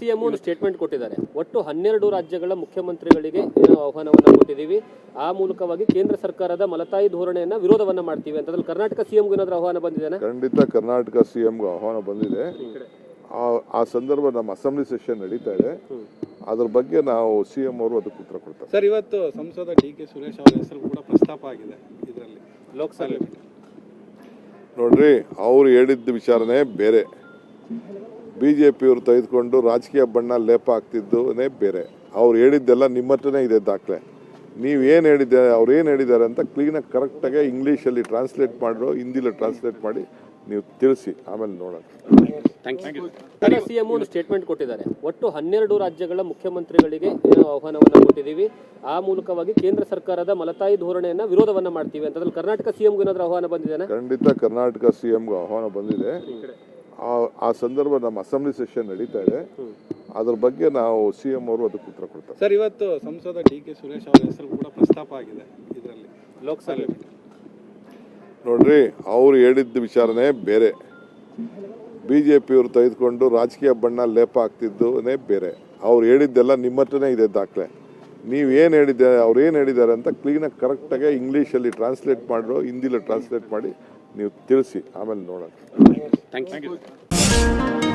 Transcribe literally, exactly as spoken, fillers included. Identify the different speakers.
Speaker 1: CM ಒಂದು statement ಕೊಟ್ಟಿದ್ದಾರೆ. ಒಟ್ಟು ಹನ್ನೆರಡು ರಾಜ್ಯಗಳ ಮುಖ್ಯಮಂತ್ರಿಗಳಿಗೆ ಏನೋ ಆಹ್ವಾನವನ್ನ ಕೊಟ್ಟಿದ್ದೀವಿ, ಆ ಮೂಲಕವಾಗಿ ಕೇಂದ್ರ ಸರ್ಕಾರದ ಮಲತಾಯಿ ಧೋರಣೆಯನ್ನ ವಿರೋಧವನ್ನ ಮಾಡ್ತೀವಿ ಅಂತ. ಅದ್ರಲ್ಲಿ ಕರ್ನಾಟಕ ಸಿಎಂಗೂ ಏನಾದರೂ ಆಹ್ವಾನ ಬಂದಿದೆ?
Speaker 2: ಖಂಡಿತ ಕರ್ನಾಟಕ ಸಿಎಂಗೂ ಆಹ್ವಾನ ಬಂದಿದೆ. ಆ ಸಂದರ್ಭ ನಮ್ಮ ಅಸೆಂಬ್ಲಿ ಸೆಷನ್ ನಡೀತಾ ಇದೆ, ಅದ್ರ ಬಗ್ಗೆ ನಾವು ಸಿಎಂ ಅವರು ಅದಕ್ಕೆ ಉತ್ತರ ಕೊಡ್ತಾರೆ.
Speaker 3: ಸರ್, ಇವತ್ತು ಸಂಸದ ಡಿ ಕೆ ಸುರೇಶ್ ಅವರ ಹೆಸರು ಕೂಡ ಪ್ರಸ್ತಾಪ ಆಗಿದೆ ಇದರಲ್ಲಿ ಲೋಕಸಭೆ.
Speaker 2: ನೋಡ್ರಿ, ಅವ್ರು ಹೇಳಿದ್ದ ವಿಚಾರನೇ ಬೇರೆ, ಬಿಜೆಪಿಯವರು ತೆಗೆದುಕೊಂಡು ರಾಜಕೀಯ ಬಣ್ಣ ಲೇಪ ಹಾಕ್ತಿದ್ದುನೇ ಬೇರೆ. ಅವ್ರು ಹೇಳಿದ್ದೆಲ್ಲ ನಿಮ್ಮ ಹತ್ರನೇ ಇದೆ ದಾಖಲೆ. ನೀವೇನು ಹೇಳಿದ್ದಾರೆ, ಅವ್ರು ಏನು ಹೇಳಿದ್ದಾರೆ ಅಂತ ಕ್ಲೀನಾಗಿ ಕರೆಕ್ಟಾಗಿ ಇಂಗ್ಲೀಷಲ್ಲಿ ಟ್ರಾನ್ಸ್ಲೇಟ್ ಮಾಡಿರೋ, ಹಿಂದಿಲಿ ಟ್ರಾನ್ಸ್ಲೇಟ್ ಮಾಡಿ ನೀವು ತಿಳಿಸಿ, ಆಮೇಲೆ ನೋಡೋಣ.
Speaker 1: ಸಿಎಂ ಒಂದು ಸ್ಟೇಟ್ಮೆಂಟ್ ಕೊಟ್ಟಿದ್ದಾರೆ. ಒಟ್ಟು ಹನ್ನೆರಡು ರಾಜ್ಯಗಳ ಮುಖ್ಯಮಂತ್ರಿಗಳಿಗೆ ಏನೋ ಆಹ್ವಾನವನ್ನ ಕೊಟ್ಟಿದ್ದೀವಿ, ಆ ಮೂಲಕವಾಗಿ ಕೇಂದ್ರ ಸರ್ಕಾರದ ಮಲತಾಯಿ ಧೋರಣೆಯನ್ನ ವಿರೋಧವನ್ನ ಮಾಡ್ತೀವಿ ಅಂತ. ಅದ್ರಲ್ಲಿ ಕರ್ನಾಟಕ ಸಿಎಂಗೂ ಏನಾದರೂ ಆಹ್ವಾನ ಬಂದಿದೆ?
Speaker 2: ಖಂಡಿತ ಕರ್ನಾಟಕ ಸಿಎಂಗೂ ಆಹ್ವಾನ ಬಂದಿದೆ. ಆ ಸಂದರ್ಭ ನಮ್ಮ ಅಸೆಂಬ್ಲಿ ಸೆಷನ್ ನಡೀತಾ ಇದೆ, ಅದ್ರ ಬಗ್ಗೆ ನಾವು ಸಿಎಂ ಅವರು ಅದಕ್ಕೆ ಉತ್ತರ ಕೊಡ್ತಾರೆ.
Speaker 3: ಸರ್, ಇವತ್ತು ಸಂಸದ ಡಿ ಕೆ ಸುರೇಶ್ ಅವರ ಹೆಸರು ಕೂಡ ಪ್ರಸ್ತಾಪ ಆಗಿದೆ ಇದರಲ್ಲಿ ಲೋಕಸಭೆ.
Speaker 2: ನೋಡ್ರಿ, ಅವ್ರು ಹೇಳಿದ್ದ ವಿಚಾರನೇ ಬೇರೆ, ಬಿಜೆಪಿಯವರು ತೆಗೆದುಕೊಂಡು ರಾಜಕೀಯ ಬಣ್ಣ ಲೇಪ ಹಾಕ್ತಿದ್ದುನೇ ಬೇರೆ. ಅವ್ರು ಹೇಳಿದ್ದೆಲ್ಲ ನಿಮ್ಮ ಹತ್ರನೇ ಇದೆ ದಾಖಲೆ. ನೀವೇನು ಹೇಳಿದ್ದಾರೆ, ಅವ್ರು ಏನು ಹೇಳಿದ್ದಾರೆ ಅಂತ ಕ್ಲೀನಾಗಿ ಕರೆಕ್ಟಾಗಿ ಇಂಗ್ಲೀಷಲ್ಲಿ ಟ್ರಾನ್ಸ್ಲೇಟ್ ಮಾಡಿರೋ, ಹಿಂದಿಲಿ ಟ್ರಾನ್ಸ್ಲೇಟ್ ಮಾಡಿ ನೀವು ತಿಳಿಸಿ, ಆಮೇಲೆ ನೋಡೋಣ.
Speaker 1: Thank you.